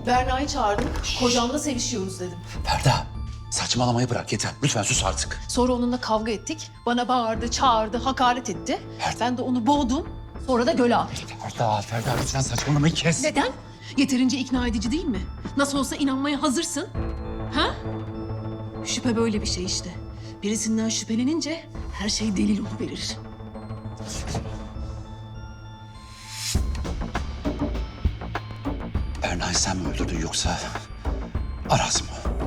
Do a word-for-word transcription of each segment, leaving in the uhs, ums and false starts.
Berna'yı çağırdım. Kocamla sevişiyoruz dedim. Ferda, saçmalamayı bırak yeter. Lütfen sus artık. Sonra onunla kavga ettik. Bana bağırdı, çağırdı, hakaret etti. Ben de onu boğdum. Sonra da göle attım. Ferda, Ferda lütfen saçmalamayı kes. Neden? Yeterince ikna edici değil mi? Nasıl olsa inanmaya hazırsın. Ha? Şüphe böyle bir şey işte. Birisinden şüphelenince her şey delil oluverir. Berna'yı sen mi öldürdün yoksa Aras mı?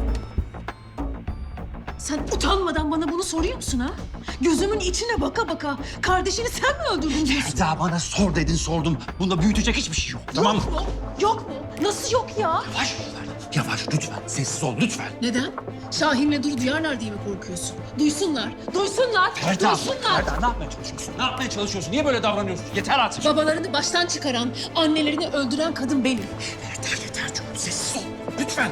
Sen utanmadan bana bunu soruyor musun ha? Gözümün içine baka baka kardeşini sen mi öldürdün diyorsun? Ferda bana sor dedin sordum. Bunda büyütecek hiçbir şey yok tamam mı? Yok mu? Yok mu? Nasıl yok ya? Yavaş Ferda, yavaş lütfen. Sessiz ol lütfen. Neden? Şahin'le Duru duyarlar diye mi korkuyorsun? Duysunlar, duysunlar, Ferda, duysunlar. Ferda ne yapmaya çalışıyorsun? Ne yapmaya çalışıyorsun? Niye böyle davranıyorsun? Yeter artık. Babalarını baştan çıkaran, annelerini öldüren kadın benim. Ferda yeter çok sessiz ol. Lütfen.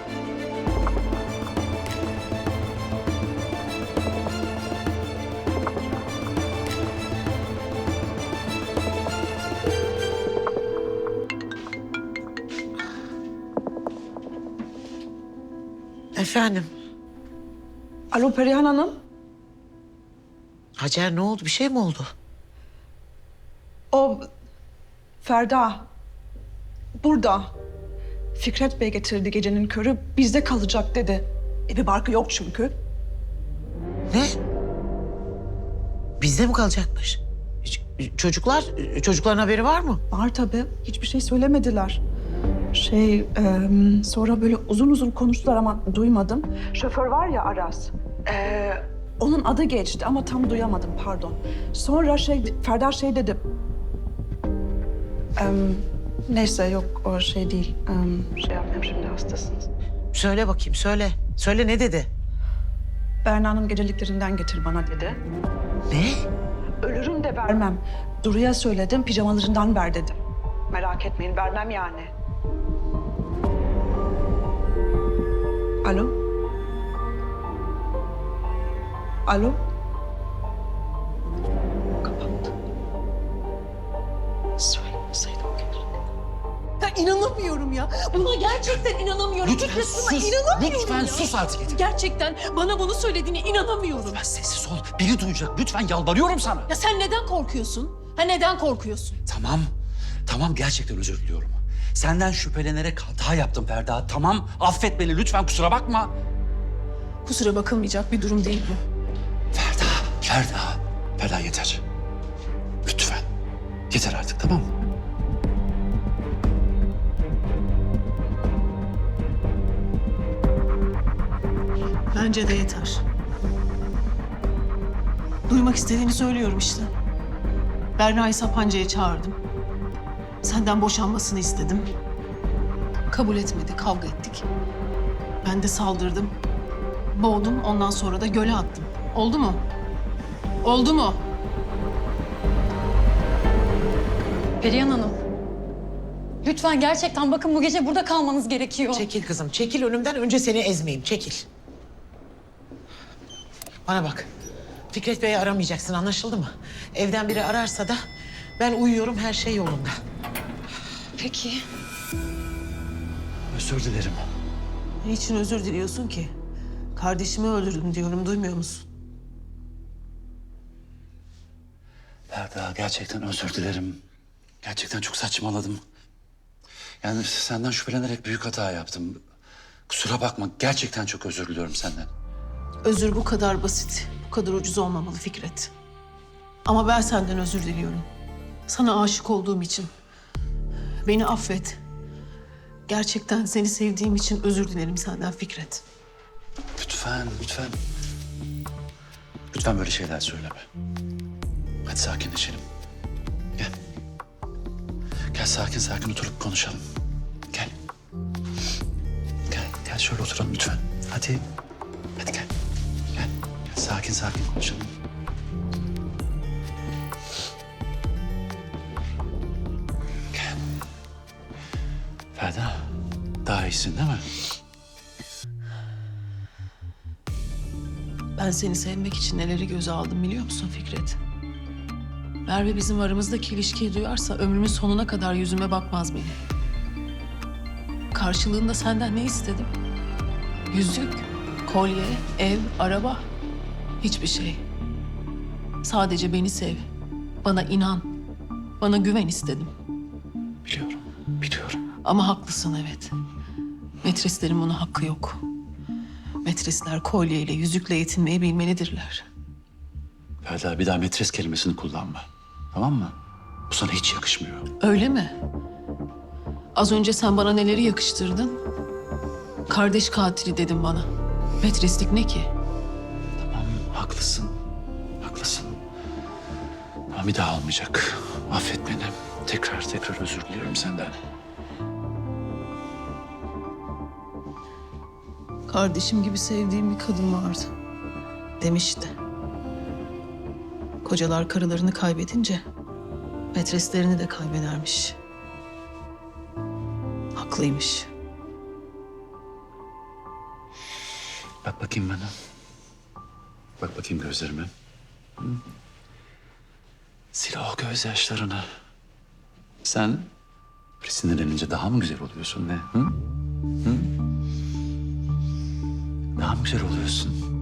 Efendim, Alo Perihan Hanım. Hacer ne oldu? Bir şey mi oldu? O Ferda burada. Fikret Bey getirdi gecenin körü. Bizde kalacak dedi. E bir barkı yok çünkü. Ne? Bizde mi kalacakmış? Ç- Çocuklar, çocukların haberi var mı? Var tabii. Hiçbir şey söylemediler. Şey, e, sonra böyle uzun uzun konuştular ama duymadım. Şoför var ya Aras. e, onun adı geçti ama tam duyamadım pardon. Sonra şey, Ferda şey dedi. E, neyse yok o şey değil. E, şey yapmayayım şimdi hastasınız. Söyle bakayım, söyle. Söyle ne dedi? Berna'nın geceliklerinden getir bana dedi. Ne? Ölürüm de vermem. Duru'ya söyledim, pijamalarından ver dedim. Merak etmeyin, vermem yani. Alo? Alo? Kapattı. Söylemeseydim keşke. Ya inanamıyorum ya. Buna gerçekten inanamıyorum. Lütfen Fikret, buna sus. inanamıyorum Lütfen ya. sus artık yeter. Gerçekten bana bunu söylediğine inanamıyorum. Lütfen sessiz ol. Biri duyacak. Lütfen yalvarıyorum sana. Ya sen neden korkuyorsun? Ha neden korkuyorsun? Tamam. Tamam gerçekten özür diliyorum. Senden şüphelenerek hata yaptım Ferda. Tamam affet beni lütfen kusura bakma. Kusura bakılmayacak bir durum değil bu. Ferda, Ferda. Ferda yeter. Lütfen. Yeter artık tamam mı? Bence de yeter. Duymak istediğini söylüyorum işte. Berna'yı Sapanca'ya çağırdım. Senden boşanmasını istedim. Kabul etmedi, kavga ettik. Ben de saldırdım. Boğdum, ondan sonra da göle attım. Oldu mu? Oldu mu? Perihan Hanım. Lütfen gerçekten bakın bu gece burada kalmanız gerekiyor. Çekil kızım, çekil önümden. Önce seni ezmeyeyim, çekil. Bana bak. Fikret Bey'i aramayacaksın, anlaşıldı mı? Evden biri ararsa da ben uyuyorum, her şey yolunda. Peki. Özür dilerim. Niçin özür diliyorsun ki? Kardeşimi öldürdüm diyorum, duymuyor musun? Ferda gerçekten özür dilerim. Gerçekten çok saçmaladım. Yani senden şüphelenerek büyük hata yaptım. Kusura bakma gerçekten çok özür diliyorum senden. Özür bu kadar basit, bu kadar ucuz olmamalı Fikret. Ama ben senden özür diliyorum. Sana aşık olduğum için. Beni affet. Gerçekten seni sevdiğim için özür dilerim senden Fikret. Lütfen, lütfen. Lütfen böyle şeyler söyleme. Hadi sakinleşelim. Gel. Gel sakin sakin oturup konuşalım. Gel. Gel, gel şöyle oturalım lütfen. Hadi. Hadi gel. Gel. Gel sakin sakin konuşalım. Gel. Ferda, daha iyisin değil mi? Ben seni sevmek için neleri göze aldım biliyor musun Fikret? Merve bizim aramızdaki ilişkiyi duyarsa ömrümün sonuna kadar yüzüme bakmaz benim. Karşılığında senden ne istedim? Yüzük, kolye, ev, araba. Hiçbir şey. Sadece beni sev. Bana inan. Bana güven istedim. Biliyorum, biliyorum. Ama haklısın evet. Metreslerin buna hakkı yok. Metresler kolyeyle, yüzükle yetinmeyi bilmelidirler. Ferda, bir daha metres kelimesini kullanma. Tamam mı? Bu sana hiç yakışmıyor. Öyle mi? Az önce sen bana neleri yakıştırdın? Kardeş katili dedin bana. Metreslik ne ki? Tamam, haklısın. Haklısın. Ama bir daha olmayacak. Affet beni. Tekrar tekrar özür diliyorum senden. Kardeşim gibi sevdiğim bir kadın vardı. Demişti. Kocalar karılarını kaybedince metreslerini de kaybedermiş. Haklıymış. Bak bakayım bana. Bak bakayım gözlerime. Hı? Sil o gözyaşlarını. Sen böyle sinirlenince daha mı güzel oluyorsun ne? Hı? Hı? Daha mı güzel oluyorsun?